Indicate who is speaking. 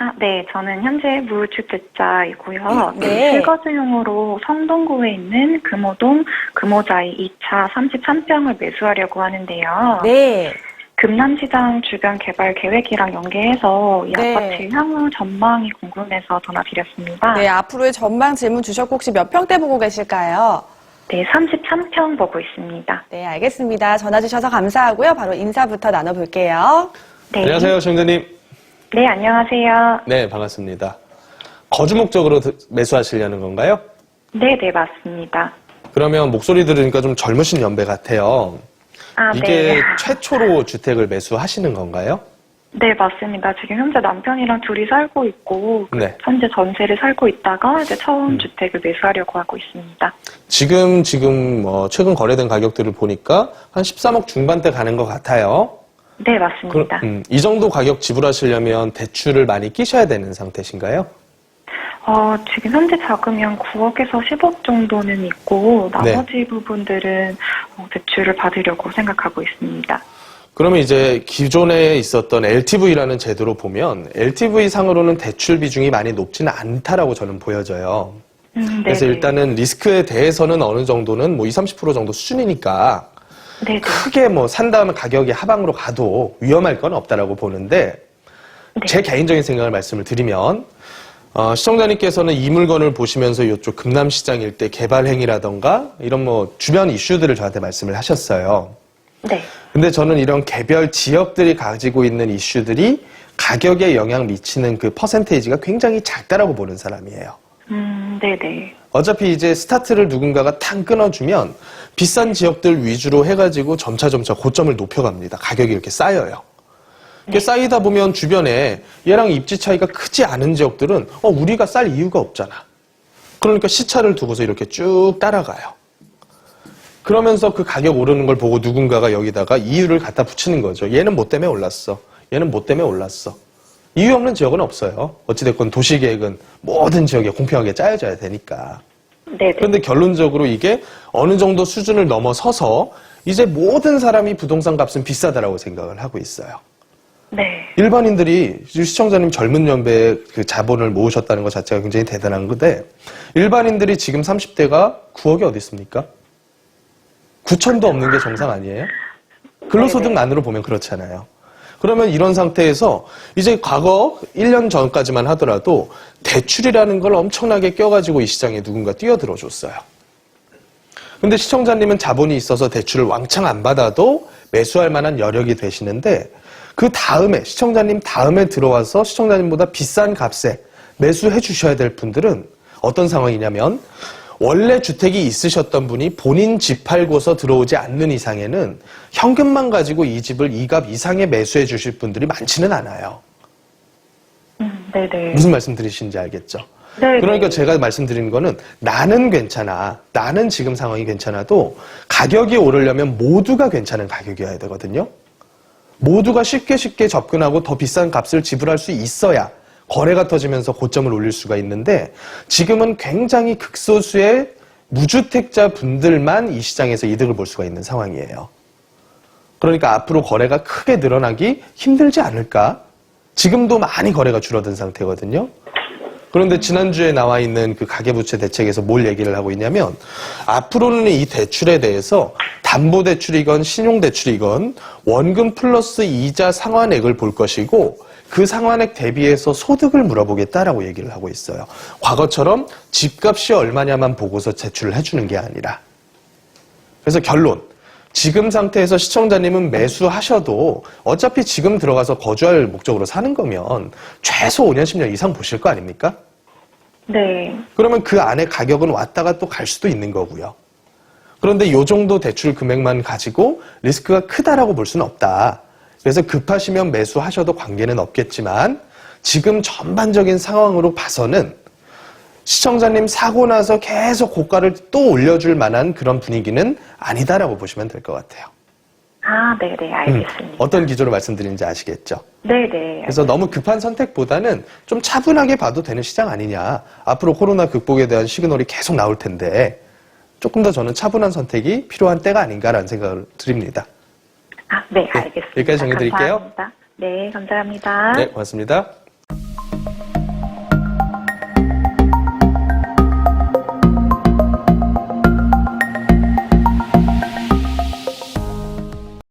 Speaker 1: 네. 저는 현재 무주택자이고요.
Speaker 2: 네.
Speaker 1: 실거주용으로 성동구에 있는 금호동 금호자이 2차 33평을 매수하려고 하는데요.
Speaker 2: 네.
Speaker 1: 금남시장 주변 개발 계획이랑 연계해서 이
Speaker 2: 네.
Speaker 1: 아파트 향후 전망이 궁금해서 전화드렸습니다.
Speaker 2: 네, 앞으로의 전망 질문 주셨고 혹시 몇 평대 보고 계실까요?
Speaker 1: 네, 33평 보고 있습니다.
Speaker 2: 네, 알겠습니다. 전화 주셔서 감사하고요. 바로 인사부터 나눠볼게요.
Speaker 1: 네.
Speaker 3: 안녕하세요, 시청자님.
Speaker 1: 네, 안녕하세요.
Speaker 3: 네, 반갑습니다. 거주 목적으로 매수하시려는 건가요?
Speaker 1: 네, 네, 맞습니다.
Speaker 3: 그러면 목소리 들으니까 좀 젊으신 연배 같아요. 이게
Speaker 1: 네.
Speaker 3: 최초로 주택을 매수하시는 건가요?
Speaker 1: 네, 맞습니다. 지금 현재 남편이랑 둘이 살고 있고,
Speaker 3: 네.
Speaker 1: 현재 전세를 살고 있다가 이제 처음 주택을 매수하려고 하고 있습니다.
Speaker 3: 지금 최근 거래된 가격들을 보니까 한 13억 중반대 가는 것 같아요.
Speaker 1: 네, 맞습니다.
Speaker 3: 이 정도 가격 지불하시려면 대출을 많이 끼셔야 되는 상태신가요?
Speaker 1: 지금 현재 자금이 한 9억에서 10억 정도는 있고, 나머지 부분들은 대출을 받으려고 생각하고 있습니다.
Speaker 3: 그러면 이제 기존에 있었던 LTV라는 제도로 보면 LTV 상으로는 대출 비중이 많이 높지는 않다라고 저는 보여져요. 그래서 일단은 리스크에 대해서는 어느 정도는 20, 30% 정도 수준이니까
Speaker 1: 네네.
Speaker 3: 크게 산 다음에 가격이 하방으로 가도 위험할 건 없다라고 보는데 제 개인적인 생각을 말씀을 드리면 시청자님께서는 이 물건을 보시면서 이쪽 금남시장 일대 개발 행위라던가 이런 주변 이슈들을 저한테 말씀을 하셨어요.
Speaker 1: 네.
Speaker 3: 근데 저는 이런 개별 지역들이 가지고 있는 이슈들이 가격에 영향 미치는 그 퍼센테이지가 굉장히 작다라고 보는 사람이에요.
Speaker 1: 네네.
Speaker 3: 어차피 이제 스타트를 누군가가 탕 끊어주면 비싼 지역들 위주로 해가지고 점차 고점을 높여갑니다. 가격이 이렇게 쌓여요. 이게 쌓이다 보면 주변에 얘랑 입지 차이가 크지 않은 지역들은 우리가 쌀 이유가 없잖아. 그러니까 시차를 두고서 이렇게 쭉 따라가요. 그러면서 그 가격 오르는 걸 보고 누군가가 여기다가 이유를 갖다 붙이는 거죠. 얘는 뭐 때문에 올랐어. 얘는 뭐 때문에 올랐어. 이유 없는 지역은 없어요. 어찌됐건 도시계획은 모든 지역에 공평하게 짜여져야 되니까.
Speaker 1: 네네.
Speaker 3: 그런데 결론적으로 이게 어느 정도 수준을 넘어서서 이제 모든 사람이 부동산 값은 비싸다라고 생각을 하고 있어요.
Speaker 1: 네.
Speaker 3: 일반인들이 시청자님 젊은 연배에 그 자본을 모으셨다는 것 자체가 굉장히 대단한 건데 일반인들이 지금 30대가 9억이 어디 있습니까? 9천도 없는 게 정상 아니에요? 근로소득만으로 보면 그렇잖아요. 그러면 이런 상태에서 이제 과거 1년 전까지만 하더라도 대출이라는 걸 엄청나게 껴가지고 이 시장에 누군가 뛰어들어 줬어요. 근데 시청자님은 자본이 있어서 대출을 왕창 안 받아도 매수할 만한 여력이 되시는데 그 다음에 시청자님 다음에 들어와서 시청자님보다 비싼 값에 매수해 주셔야 될 분들은 어떤 상황이냐면 원래 주택이 있으셨던 분이 본인 집 팔고서 들어오지 않는 이상에는 현금만 가지고 이 집을 이 값 이상에 매수해 주실 분들이 많지는 않아요.
Speaker 1: 네네.
Speaker 3: 무슨 말씀 드리시는지 알겠죠?
Speaker 1: 네.
Speaker 3: 그러니까 제가 말씀드리는 거는 나는 괜찮아. 나는 지금 상황이 괜찮아도 가격이 오르려면 모두가 괜찮은 가격이어야 되거든요. 모두가 쉽게 접근하고 더 비싼 값을 지불할 수 있어야 거래가 터지면서 고점을 올릴 수가 있는데 지금은 굉장히 극소수의 무주택자 분들만 이 시장에서 이득을 볼 수가 있는 상황이에요. 그러니까 앞으로 거래가 크게 늘어나기 힘들지 않을까? 지금도 많이 거래가 줄어든 상태거든요. 그런데 지난주에 나와 있는 그 가계부채 대책에서 뭘 얘기를 하고 있냐면 앞으로는 이 대출에 대해서 담보대출이건 신용대출이건 원금 플러스 이자 상환액을 볼 것이고 그 상환액 대비해서 소득을 물어보겠다라고 얘기를 하고 있어요. 과거처럼 집값이 얼마냐만 보고서 제출을 해주는 게 아니라. 그래서 결론. 지금 상태에서 시청자님은 매수하셔도 어차피 지금 들어가서 거주할 목적으로 사는 거면 최소 5년, 10년 이상 보실 거 아닙니까?
Speaker 1: 네.
Speaker 3: 그러면 그 안에 가격은 왔다가 또 갈 수도 있는 거고요. 그런데 이 정도 대출 금액만 가지고 리스크가 크다라고 볼 수는 없다. 그래서 급하시면 매수하셔도 관계는 없겠지만 지금 전반적인 상황으로 봐서는 시청자님 사고 나서 계속 고가를 또 올려줄 만한 그런 분위기는 아니다라고 보시면 될 것 같아요.
Speaker 1: 네네. 알겠습니다.
Speaker 3: 어떤 기조로 말씀드리는지 아시겠죠?
Speaker 1: 네네.
Speaker 3: 그래서 너무 급한 선택보다는 좀 차분하게 봐도 되는 시장 아니냐. 앞으로 코로나 극복에 대한 시그널이 계속 나올 텐데 조금 더 저는 차분한 선택이 필요한 때가 아닌가라는 생각을 드립니다.
Speaker 1: 네, 알겠습니다.
Speaker 3: 여기까지 정리드릴게요.
Speaker 1: 감사합니다. 네, 감사합니다.
Speaker 3: 네, 고맙습니다.